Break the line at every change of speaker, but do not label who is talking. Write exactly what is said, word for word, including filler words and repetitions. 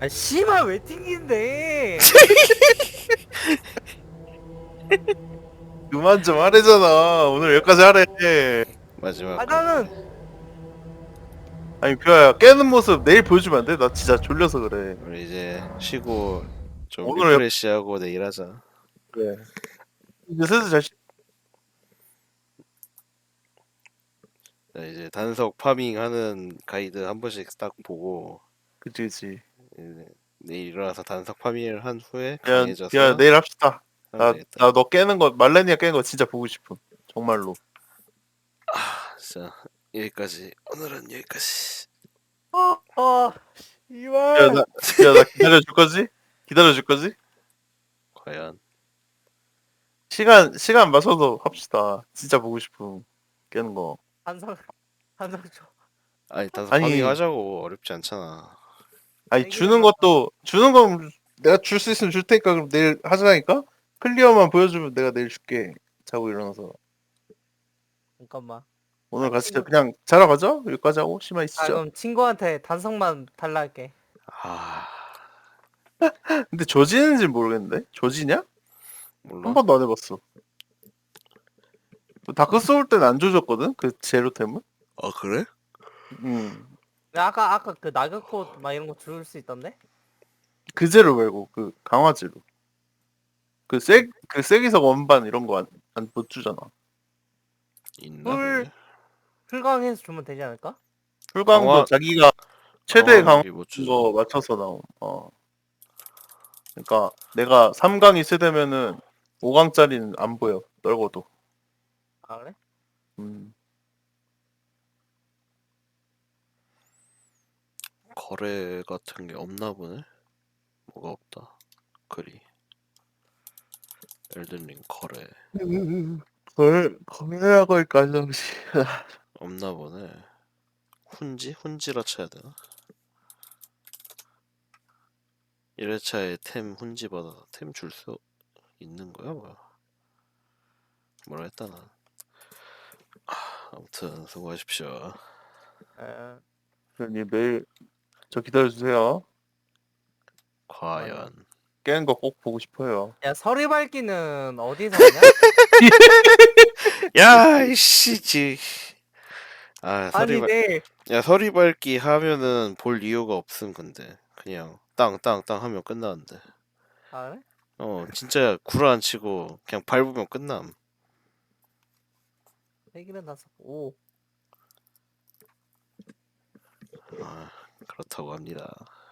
아 씨발 왜 튕긴데?
그만 좀 하래잖아. 오늘 여기까지 하래.
아
마지막까지.
나는
아니 뷰야 깨는 모습 내일 보여주면 안 돼? 나 진짜 졸려서 그래.
우리 이제 쉬고 좀
오늘
리프레시하고 내일 하자.
그래. 이제 슬슬 잘 쉬...
자, 이제 단석 파밍하는 가이드 한 번씩 딱 보고
그치 그치.
이제 내일 일어나서 단석 파밍을 한 후에
야, 야
강해져서
내일 합시다.
하면
나
되겠다.
나 너 깨는 거 말레니아 깨는 거 진짜 보고 싶음. 정말로.
자, 여기까지. 오늘은 여기까지.
어, 어,
야
이발.
나 야 나 기다려 줄 거지? 기다려 줄 거지?
과연
시간 시간 맞춰서 합시다. 진짜 보고 싶음. 깨는 거.
한상, 한상 줘.
아니 단석
아니
파밍 하자고. 어렵지 않잖아.
아니
내기는
주는
맞다.
것도 주는 건 내가 줄 수 있으면 줄 테니까 그럼 내일 하자니까. 클리어만 보여주면 내가 내일 줄게. 자고 일어나서.
잠깐만.
오늘
아,
같이
친구-
그냥 자러 가자. 여기까지 하고 심화
아
있으죠.
그럼 친구한테 단성만 달라 할게.
아
근데 조지는지 모르겠는데. 조지냐?
몰라.
한 번도 안 해봤어. 다크 소울 때는 안 조졌거든. 그 제로템은.
아 그래?
음.
근데 아까 아까 그 낙엽꽃 막 이런 거 줄 수 있던데?
그 제로 말고 그 강화제로. 그세그 세기석 원반 이런 거 안 못 주잖아.
있나
물
그게?
풀강해서 주면 되지 않을까?
풀광도
강화
자기가 최대
강화
강화
무기 못 주죠.
거 맞춰서 나옴. 어. 그러니까 내가 삼 강이 세대면은 오 강짜리는 안 보여. 넓어도.
아 그래?
음.
거래 같은 게 없나 보네. 뭐가 없다. 글이. 엘든링 거래
걸 거래하고 있까지.
없나 보네. 훈지? 훈지라 쳐야 되나? 일 회차에 템 훈지 받아 템 줄 수 있는 거야 뭐야? 뭐라 했다 난. 아무튼 수고하십시오.
에,
님 매일 저 기다려 주세요.
과연
깨는 거 꼭 보고 싶어요.
야 서리 밝기는 어디서 하냐?
야 이씨 지. 아
아니
서리
내
야 서리 밟기 하면은 볼 이유가 없음. 근데 그냥 땅 땅 땅 하면 끝나는데.
아 그래?
어 진짜 구라 안 치고 그냥 밟으면 끝남.
세기는 다섯. 오.
아 그렇다고 합니다.